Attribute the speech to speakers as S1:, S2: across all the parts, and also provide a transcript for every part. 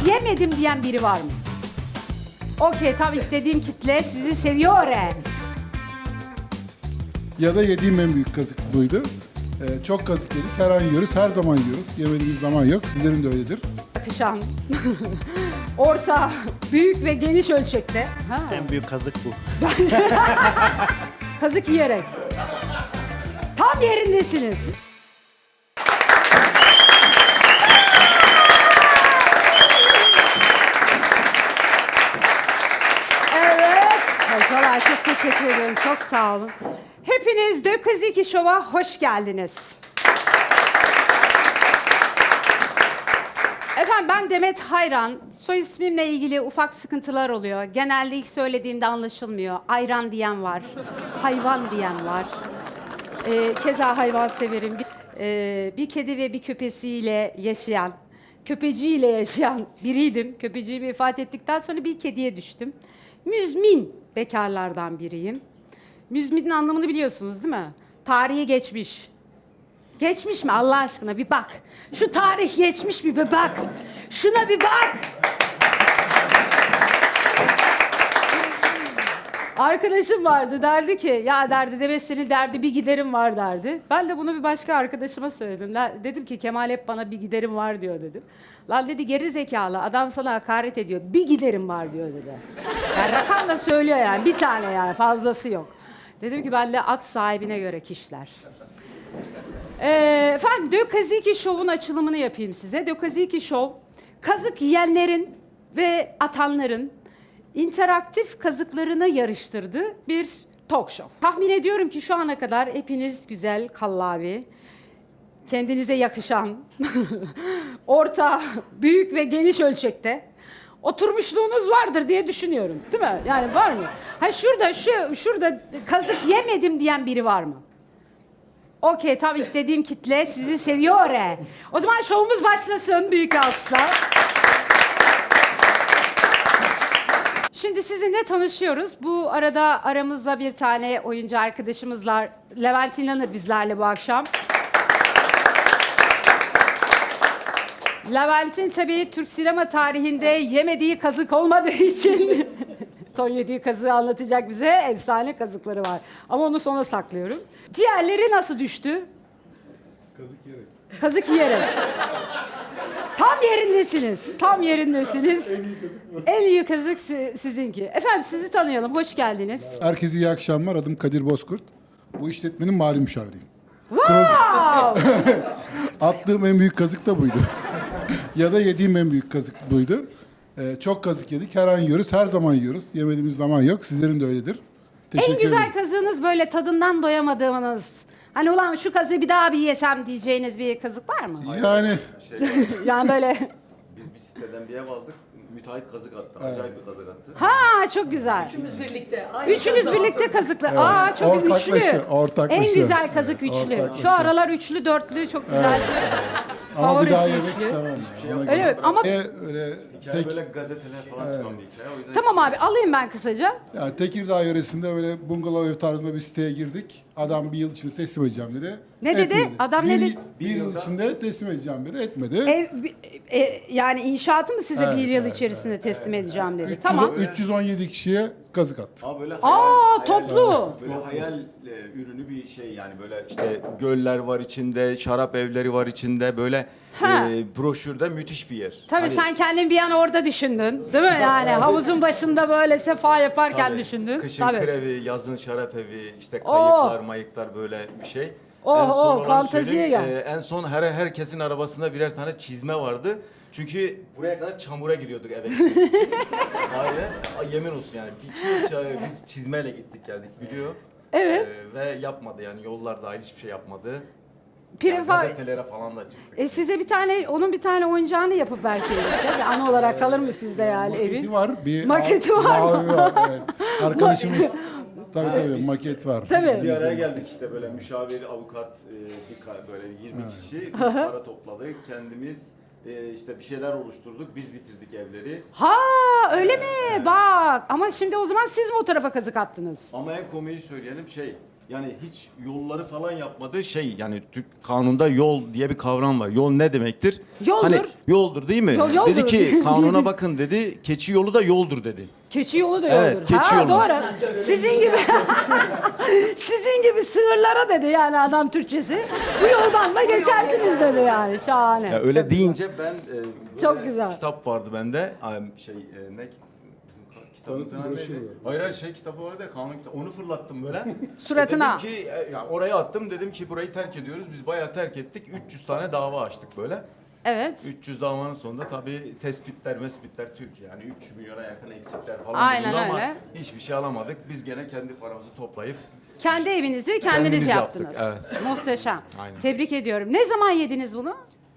S1: yemedim diyen biri var mı? Okey, tam istediğim kitle sizi seviyor.
S2: Ya da yediğim en büyük kazık buydu. Çok kazık yedik. Her an yiyoruz, her zaman yiyoruz. Yemediğimiz zaman yok. Sizlerin de öyledir.
S1: Yakışan, orta, büyük ve geniş ölçekte. Ha.
S3: En büyük kazık bu.
S1: Kazık yiyerek. Tam yerindesiniz. Evet. Hocalar çok teşekkür ederim. Çok sağ olun. Hepiniz Dökaziki Show'a hoş geldiniz. Efendim ben Demet Hayran. Soy ismimle ilgili ufak sıkıntılar oluyor. Genelde ilk söylediğimde anlaşılmıyor. Ayran diyen var, hayvan diyen var. Keza hayvan severim. Bir kedi ve bir köpesiyle yaşayan, köpeciyle yaşayan biriydim. Köpeciği vefat ettikten sonra bir kediye düştüm. Müzmin bekarlardan biriyim. Müzminin anlamını biliyorsunuz değil mi? Tarihi geçmiş. Geçmiş mi Allah aşkına bir bak. Şu tarih geçmiş mi bir bak. Şuna bir bak. Arkadaşım vardı derdi ki ya derdi Demet senin derdi bir giderim var derdi. Ben de bunu bir başka arkadaşıma söyledim. Dedim ki Kemal hep bana bir giderim var diyor dedim. Lan dedi geri zekalı adam sana hakaret ediyor. Bir giderim var diyor dedi. Yani rakam da söylüyor yani bir tane yani fazlası yok. Dedim ki ben de at sahibine göre kişiler. Efendim Dökaziki Show'un açılımını yapayım size. Dökaziki Show, kazık yiyenlerin ve atanların interaktif kazıklarını yarıştırdığı bir talk show. Tahmin ediyorum ki şu ana kadar hepiniz güzel, kallavi, kendinize yakışan, orta, büyük ve geniş ölçekte oturmuşluğunuz vardır diye düşünüyorum. Değil mi? Yani var mı? Ha şurada kazık yemedim diyen biri var mı? Okey, tam istediğim kitle sizi seviyor. O zaman şovumuz başlasın. Büyük alkışlar. Şimdi sizinle tanışıyoruz. Bu arada aramızda bir tane oyuncu arkadaşımız var. Levent İnanır bizlerle bu akşam. Levent'in tabii Türk sinema tarihinde yemediği kazık olmadığı için son yediği kazığı anlatacak bize, efsane kazıkları var. Ama onu sona saklıyorum. Diğerleri nasıl düştü?
S2: Kazık yiyerek.
S1: Kazık yiyerek. Tam yerindesiniz. Tam yerindesiniz. En iyi kazık sizinki. Efendim sizi tanıyalım. Hoş geldiniz.
S2: Herkese iyi akşamlar. Adım Kadir Bozkurt. Bu işletmenin mali müşaviriyim.
S1: Wow!
S2: Attığım en büyük kazık da buydu. Ya da yediğim en büyük kazık buydu. Çok kazık yedik. Her an yiyoruz, her zaman yiyoruz. Yemediğimiz zaman yok. Sizlerin de öyledir. Teşekkür
S1: En güzel
S2: ederim.
S1: kazığınız böyle tadından doyamadığınız. Hani ulan şu kazığı bir daha bir yesem diyeceğiniz bir kazık var mı?
S2: Yani
S1: Yani böyle.
S4: Biz bir siteden bir ev aldık. Müteahhit kazık attı. Acayip bir kazık attı.
S1: Ha çok güzel.
S5: Üçümüz birlikte. Aynı
S1: Üçünüz
S5: kazığı
S1: birlikte
S5: aldık.
S1: kazıklı. Aa çok
S2: Ortaklaşa,
S1: üçlü.
S2: ortaklaşa.
S1: En güzel kazık üçlü.
S2: Ortaklaşa.
S1: Şu aralar üçlü, dörtlü çok güzel.
S2: ama bir daha
S1: Favorisi
S2: yemek
S1: üçlü.
S2: istemem. Ona
S1: Öyle
S2: göre.
S1: mi? Ama
S2: Öyle
S4: Hikaye böyle gazeteler falan çıkan bir hikaye. O yüzden
S1: tamam abi alayım ben kısaca.
S2: Yani Tekirdağ yöresinde böyle bungalov ev tarzında bir siteye girdik. Adam bir yıl içinde teslim edeceğim dedi.
S1: Ne dedi?
S2: Etmedi.
S1: Adam ne dedi?
S2: Bir yıl içinde teslim edeceğim dedi. Etmedi.
S1: Yani inşaatı mı size
S2: Evet,
S1: bir yıl
S2: evet,
S1: içerisinde teslim edeceğim dedi.
S2: 300
S1: Tamam.
S2: 317 kişiye kazık attı.
S4: ama böyle
S1: Toplu.
S4: böyle hayal ürünü bir şey yani böyle işte göller var içinde, şarap evleri var içinde böyle
S1: Ha.
S4: broşürde müthiş bir yer.
S1: Tabii
S4: Hani-
S1: sen kendin bir an orada düşündün. Değil mi? Yani havuzun başında böyle sefa yaparken
S4: Tabii,
S1: düşündün.
S4: Kışın
S1: Tabii.
S4: krevi, yazın şarap evi, işte kayıklar, mayıklar böyle bir şey.
S1: Olanı
S4: fanteziye
S1: fanteziye gel.
S4: En son herkesin arabasında birer tane çizme vardı. Çünkü buraya kadar çamura giriyorduk eve gitmek için. Aynen. Yemin olsun yani. Biz çizmeyle gittik geldik biliyor.
S1: Evet.
S4: Ve yapmadı yani yollar dahil hiçbir şey yapmadı.
S1: Prim
S4: Yani
S1: fa-
S4: gazetelere falan da çıktık.
S1: Size onun bir tane oyuncağını yapıp verseydiniz. Bir anı olarak kalır mı sizde yani
S2: Maketi
S1: evin?
S2: var. Bir
S1: Maketi var mı?
S2: mavi var. Evet. Arkadaşımız tabii maket var.
S1: Tabii.
S4: Bir araya geldik işte böyle müşavir, avukat, böyle 20 kişi biz para topladık. Kendimiz işte bir şeyler oluşturduk. Biz bitirdik evleri.
S1: Ha öyle mi? Bak ama şimdi o zaman siz mi o tarafa kazık attınız?
S4: Ama en komiği söyleyelim Yani hiç yolları falan yapmadı. Şey yani Türk kanunda yol diye bir kavram var. Yol ne demektir?
S1: Yoldur.
S4: Hani yoldur değil mi?
S1: Yoldur.
S4: Dedi ki kanuna bakın dedi. Keçi yolu da yoldur dedi.
S1: Keçi yolu da
S4: Evet,
S1: yoldur.
S4: keçi yolu.
S1: Doğru. Sizin gibi sizin gibi sığırlara dedi yani adam Türkçesi. Bu yoldan da geçersiniz dedi yani. Şahane.
S4: Ya öyle deyince ben
S1: Çok
S4: böyle
S1: güzel.
S4: kitap vardı bende. Şey ne bizim kitabımızın
S2: Tanıtım
S4: adı
S2: broşürü
S4: neydi?
S2: var.
S4: Hayır hayır şey kitabı vardı ya kanun kitabı. Onu fırlattım böyle.
S1: Suratına.
S4: Dedim ki ya oraya attım dedim ki burayı terk ediyoruz. Biz bayağı terk ettik. 300 tane dava açtık böyle.
S1: Evet.
S4: 300 davanın sonunda tabii tespitler, Türkiye yani 3 milyona yakın eksikler falan
S1: Aynen
S4: bulundu ama
S1: öyle.
S4: hiçbir şey alamadık. Biz gene kendi paramızı toplayıp
S1: Kendi evinizi kendiniz
S4: Kendimiz
S1: yaptınız.
S4: yaptık,
S1: Muhteşem.
S4: Aynen.
S1: Tebrik ediyorum. Ne zaman yediniz bunu?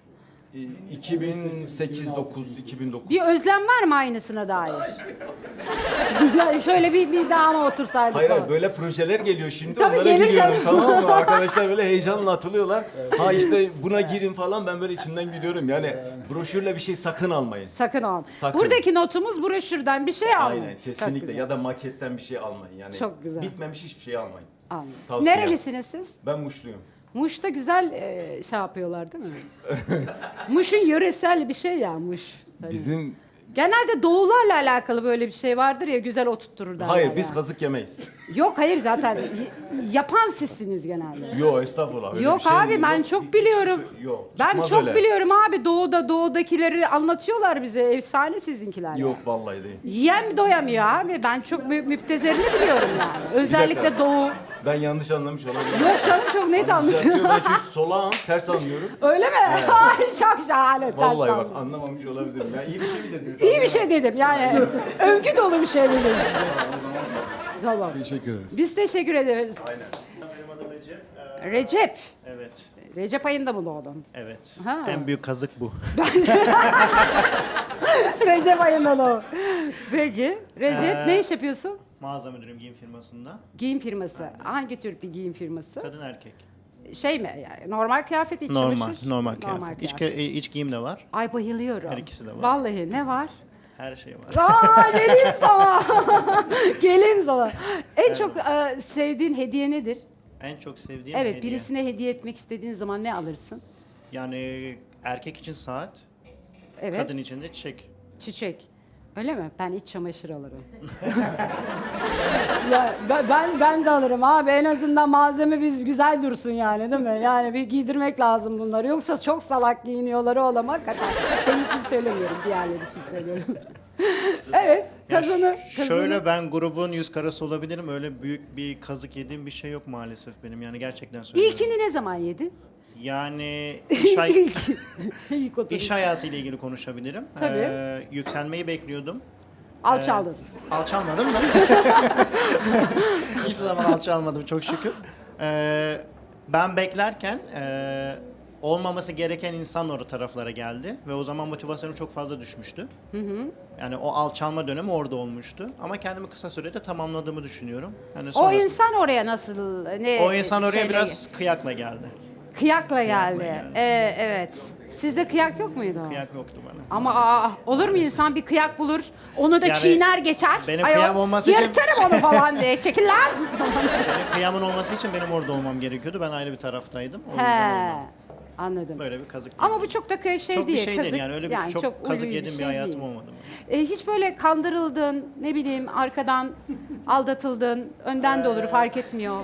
S4: 2008-9, 2009.
S1: Bir özlem var mı aynısına dair? Yani şöyle bir daha mı otursaydık
S4: Hayır
S1: falan.
S4: hayır böyle projeler geliyor şimdi
S1: Tabii,
S4: onlara
S1: gelir
S4: gülüyorum
S1: tabii.
S4: tamam mı? Arkadaşlar böyle heyecanla atılıyorlar. Ha işte buna girin falan ben böyle içimden gülüyorum. Yani broşürle bir şey sakın almayın.
S1: Sakın olma.
S4: Sakın.
S1: Buradaki notumuz broşürden bir şey almayın.
S4: Aynen
S1: Çok
S4: kesinlikle
S1: güzel.
S4: ya da maketten bir şey almayın. Yani
S1: Çok güzel.
S4: bitmemiş hiçbir şey almayın.
S1: Almayın.
S4: Tavsiye.
S1: Nerelisiniz siz?
S4: Ben Muşluyum.
S1: Muş'ta güzel şey yapıyorlar değil mi? Muş'un yöresel bir şey ya Muş. Hani
S4: Bizim
S1: genelde doğularla alakalı böyle bir şey vardır ya güzel oturtturur derler
S4: hayır biz
S1: yani.
S4: kazık yemeyiz.
S1: Yok hayır zaten yapan sizsiniz genelde.
S4: Yok estağfurullah. Öyle
S1: Yok
S4: bir şey
S1: abi, ben
S4: yok.
S1: çok biliyorum.
S4: Yok.
S1: Ben
S4: çıkmaz
S1: çok
S4: öyle.
S1: biliyorum abi doğudakileri anlatıyorlar bize efsane sizinkiler.
S4: Yok vallahi değil.
S1: Yiyen doyamıyor abi. Ben çok müptezerini biliyorum yani. Özellikle doğu.
S4: Ben yanlış anlamış olabilirim.
S1: Yok canım çok net
S4: Düzeltiyor,
S1: anladım.
S4: ben çünkü solağım, ters anlıyorum.
S1: Öyle mi? Ay, çok şahane. ters
S4: Vallahi bak
S1: anladım.
S4: anlamamış olabilirim. Ya iyi bir şey mi dediniz?
S1: İyi bir şey dedim yani. Övgü dolu bir şey dedim. Tamam.
S2: Teşekkür ederiz.
S1: Biz teşekkür ederiz.
S3: Benim adım Recep.
S1: Recep.
S3: Evet,
S1: Recep ayında mı doğdun?
S3: evet.
S1: Ha.
S3: En büyük kazık bu.
S1: Recep ayında doğdun. Peki. Recep ne iş yapıyorsun?
S3: Mağaza müdürüm giyim firmasında.
S1: Giyim firması. Hangi tür bir giyim firması?
S3: Kadın erkek.
S1: Şey mi yani normal kıyafet iç
S3: Normal,
S1: çamaşır?
S3: normal kıyafet. İç giyim de var.
S1: Ay bayılıyorum.
S3: Her ikisi de var.
S1: Vallahi ne var?
S3: Her şey var.
S1: Aa gelin sana. Gelin sana. En çok sevdiğin hediye nedir?
S3: En çok sevdiğim
S1: Evet,
S3: hediye.
S1: birisine hediye etmek istediğin zaman ne alırsın?
S3: Yani erkek için saat,
S1: Evet.
S3: kadın için de çiçek.
S1: Çiçek. Öyle mi? Ben iç çamaşır alırım. Ya ben de alırım abi. En azından malzeme biz güzel dursun yani değil mi? Yani bir giydirmek lazım bunları. Yoksa çok salak giyiniyorlar oğlum hakikaten. Senin için söylemiyorum, diğerleri için söylüyorum. Evet,
S3: Ya
S1: kazanı.
S3: Şöyle ben grubun yüz karası olabilirim. Öyle büyük bir kazık yediğim bir şey yok maalesef benim. Yani gerçekten söylüyorum.
S1: İlkini ne zaman yedin?
S3: Yani
S1: İlk oturuş.
S3: iş hayatıyla ilgili konuşabilirim.
S1: Tabii.
S3: Yükselmeyi bekliyordum.
S1: Alçaldın.
S3: Alçalmadım da. Hiçbir zaman alçalmadım çok şükür. Ben beklerken olmaması gereken insan o taraflara geldi ve o zaman motivasyonum çok fazla düşmüştü. Yani o alçalma dönemi orada olmuştu. Ama kendimi kısa sürede tamamladığımı düşünüyorum. Yani
S1: O
S3: sonrasında-
S1: insan oraya nasıl
S3: o insan oraya
S1: şeyle-
S3: biraz kıyakla geldi.
S1: kıyakla geldi.
S3: geldi.
S1: Evet. Sizde kıyak yok muydu?
S3: Kıyak yoktu bana.
S1: Ama olur mu insan bir kıyak bulur, onu da
S3: Yani
S1: çiğner geçer.
S3: benim
S1: Ayol,
S3: kıyam olması için-
S1: yırtarım onu falan diye. Çekil lan.
S3: Benim kıyamın olması için benim orada olmam gerekiyordu. Ben ayrı bir taraftaydım. O yüzden
S1: He,
S3: olmadı.
S1: anladım.
S3: Böyle bir kazık.
S1: Ama bu çok da şey
S3: çok
S1: değil.
S3: bir şey değil
S1: kazık-
S3: yani öyle bir çok kazık
S1: ulvi
S3: yedim bir
S1: şey
S3: hayatım
S1: değil.
S3: olmadı.
S1: Hiç böyle kandırıldın, ne bileyim arkadan aldatıldın, önden de olur fark etmiyor.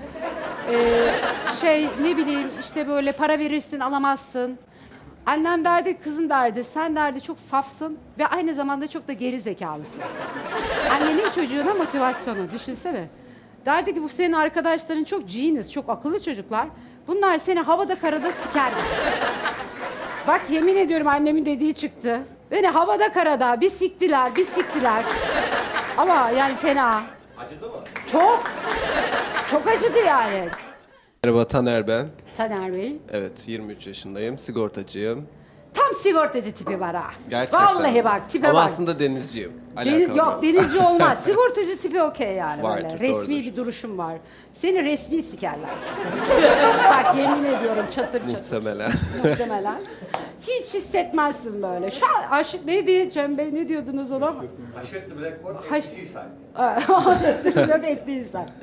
S1: Ne bileyim işte böyle para verirsin alamazsın. Annem derdi, kızım derdi, sen derdi çok safsın ve aynı zamanda çok da geri zekalısın. Annenin çocuğuna motivasyonu düşünsene. Derdi ki bu senin arkadaşların çok genius, çok akıllı çocuklar. Bunlar seni havada karada sikerler. Bak yemin ediyorum annemin dediği çıktı. Beni havada karada bir siktiler, bir siktiler. Ama yani fena.
S4: Acıdı mı?
S1: Çok. Çok acıdı yani.
S5: Merhaba Taner ben.
S1: Taner Bey.
S5: Evet 23 yaşındayım. Sigortacıyım.
S1: Tam sigortacı tipi var ha.
S5: Gerçekten.
S1: Vallahi bak tipe
S5: Ama
S1: bak.
S5: aslında denizciyim.
S1: Yok
S5: Alakalı.
S1: denizci olmaz. Sigortacı tipi okey yani
S5: Vardır,
S1: böyle. Resmi
S5: doğrudur.
S1: bir duruşun var. Seni resmi sikerler. Bak yemin ediyorum çatır çatır.
S5: Muhtemelen.
S1: Muhtemelen. Hiç hissetmezsin böyle. Aşık neydi Cem Bey, ne diyordunuz ona? Aşık black etli insan.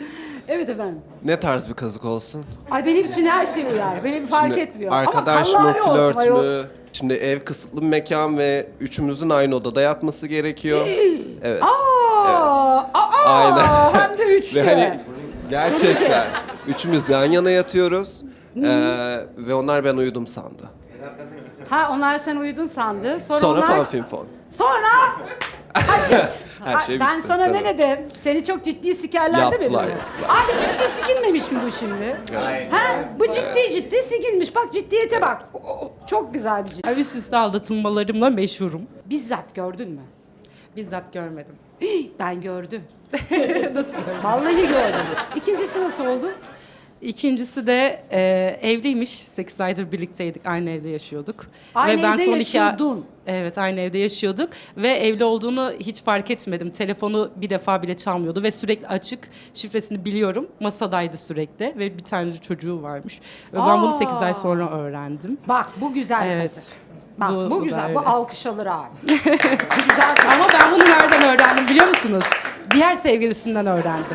S1: Evet efendim.
S5: Ne tarz bir kazık olsun?
S1: Ay benim için her şey uyar. Benim fark
S5: Şimdi
S1: etmiyor.
S5: arkadaş
S1: Ama
S5: mı,
S1: Allah'ı olsun
S5: flört
S1: ayol.
S5: mü? Şimdi ev kısıtlı bir mekan ve üçümüzün aynı odada yatması gerekiyor. Evet.
S1: Aa,
S5: Aynen.
S1: hem de üçlü.
S5: Ve hani gerçekten üçümüz yan yana yatıyoruz. Ve onlar ben uyudum sandı.
S1: Ha onlar sen uyudun sandı.
S5: Sonra
S1: onlar...
S5: fan film fon.
S1: Sonra...
S5: Her şey
S1: ben
S5: bitti,
S1: sana
S5: tabii.
S1: ne dedim? Seni çok ciddi sikerlerdi mi?
S5: Yaptılar,
S1: dedim?
S5: yaptılar.
S1: Abi ciddi sikilmemiş mi bu şimdi?
S5: Evet.
S1: Ha, bu ciddi sikilmiş. Bak ciddiyete bak. Çok güzel bir ciddi.
S6: Üst üste aldatılmalarımla meşhurum.
S1: Bizzat gördün mü?
S6: Bizzat görmedim.
S1: Ben gördüm.
S6: Nasıl gördüm?
S1: Vallahi gördüm. İkincisi nasıl oldu?
S6: İkincisi de evliymiş. 8 aydır birlikteydik. Aynı evde yaşıyorduk.
S1: Aynı evde
S6: son
S1: yaşıyordun.
S6: Evet, aynı evde yaşıyorduk ve evli olduğunu hiç fark etmedim. Telefonu bir defa bile çalmıyordu ve sürekli açık. Şifresini biliyorum. Masadaydı sürekli ve bir tane çocuğu varmış. Ve ben bunu 8 ay sonra öğrendim.
S1: Bak bu güzel
S6: Evet.
S1: kızı. Bak bu,
S6: Bu da
S1: güzel.
S6: öyle.
S1: Bu alkış alır abi. Bu güzel kız.
S6: Ama ben bunu nereden öğrendim biliyor musunuz? Diğer sevgilisinden öğrendim.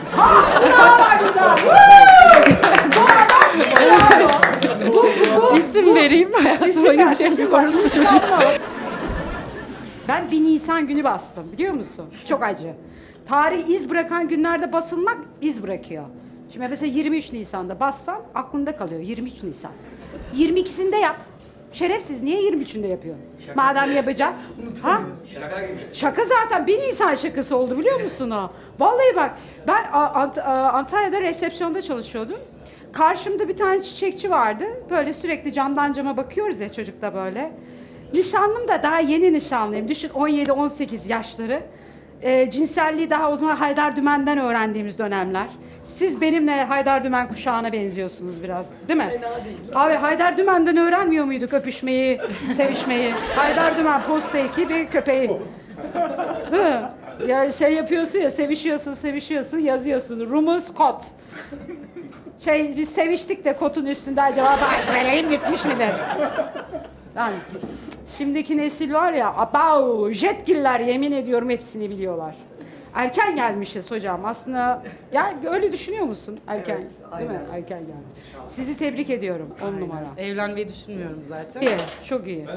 S6: İsim vereyim hayatım.
S1: İsim ver,
S6: Bir şey
S1: isim
S6: yapıyoruz
S1: ver.
S6: bu çocuk.
S1: Ben 1 Nisan günü bastım biliyor musun? Çok acı. Tarih iz bırakan günlerde basılmak iz bırakıyor. Şimdi mesela 23 Nisan'da bassan aklında kalıyor 23 Nisan. 22'sinde yap. Şerefsiz niye 23'ünde yapıyorsun? Madem yapacaksın. Ha? Şaka zaten 1 Nisan şakası oldu biliyor musun o? Vallahi bak ben Antalya'da resepsiyonda çalışıyordum. Karşımda bir tane çiçekçi vardı. Böyle sürekli camdan cama bakıyoruz ya çocukla böyle. Nişanlım da daha yeni nişanlıyım. Düşün 17-18 yaşları. Cinselliği daha o zaman Haydar Dümen'den öğrendiğimiz dönemler. Siz benimle Haydar Dümen kuşağına benziyorsunuz biraz, değil mi? Fena değil. Abi Haydar Dümen'den öğrenmiyor muyduk öpüşmeyi, sevişmeyi? Haydar Dümen posta ekibi köpeği. Değil mi? Ya şey yapıyorsun ya, sevişiyorsun, yazıyorsun. Rumuz kot. Biz seviştik de kotun üstünde acaba vereyim gitmiş midir? Yani şimdiki nesil var ya, abau, jetgiller yemin ediyorum hepsini biliyorlar. Erken gelmişiz hocam. Aslında öyle düşünüyor musun? Erken, değil mi? Erken gelmiş. Sizi tebrik ediyorum. 10 numara.
S6: Evlenmeyi düşünmüyorum zaten.
S1: İyi, çok iyi.